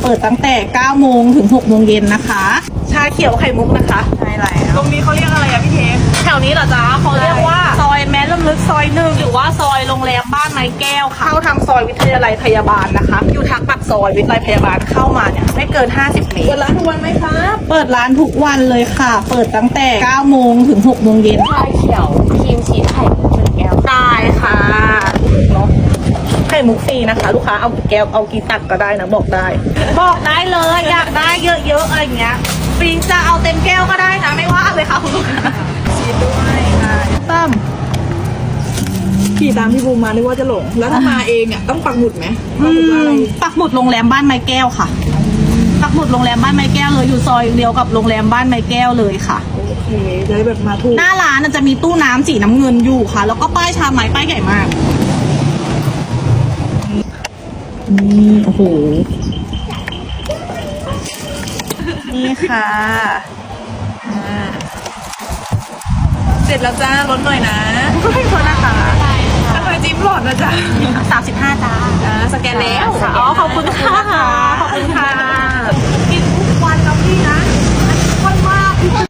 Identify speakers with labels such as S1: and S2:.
S1: เปิดตั้งแต่9โมงถึง6โมงเย็นนะคะชาเขียวไข่มุกนะคะใช่แล้วตรงนี้เขาเรียกอะไรอะพี่เทปแถวนี้เหรอจ๊ะเขาเรียกว่าซอยแม้ลำลึกซอย1หรือว่าซอยโรงแรมบ้านไม้แก้วค่ะเข้าทางซอยวิทยาลัยพยาบาลนะคะอยู่ทางปากซอยวิทยาลัยพยาบาลเข้ามาเนี่ยไม่เกิน50 เมตรเปิดร้านทุกวันไหมคะเปิดร้านทุกวันเลยค่ะ เปิดตั้งแต่9โมงถึง6โมงเย็น
S2: ชาเขียวครีมชีสไข่มุก1 แก้ว
S1: ได้ค่ะเนาะไข่มุกฟรีนะคะ ลูกค้าเอากี่แก้วเอากี่ตักก็ได้นะบอกได้เลยอยากได้เยอะๆอะไรอย่างเงี้ยฟรีจะเอาเต็มแก้วก็ได้นะไม่ว่าเลยค่ะคุณลูกค้าชีสด้วยตั้ม
S3: ขี่ตามพี่บูมมานึกว่าจะหลง แล้วถ้ามาเองอ่ะต้องปักหมุดไหมปักหมุดว่าอะไร
S1: ปักหมุดโรงแรมบ้านไม้แก้วค่ะปักหมุดโรงแรมบ้านไม้แก้วเลยอยู่ซอยเดียวกับโรงแรมบ้านไม้แก้วเลยค่ะ
S3: โอเคจะได้แบบมาถูก
S1: หน้าร้านน่ะจะมีตู้น้ำสีน้ำเงินอยู่ค่ะ แล้วก็ป้ายชาไม้ป้ายใหญ่มากนี่โอ้โหนี่ค่ะ
S3: เสร็จแล้วจ้าลดหน่อยนะ
S1: ก็ให้คนนะคะ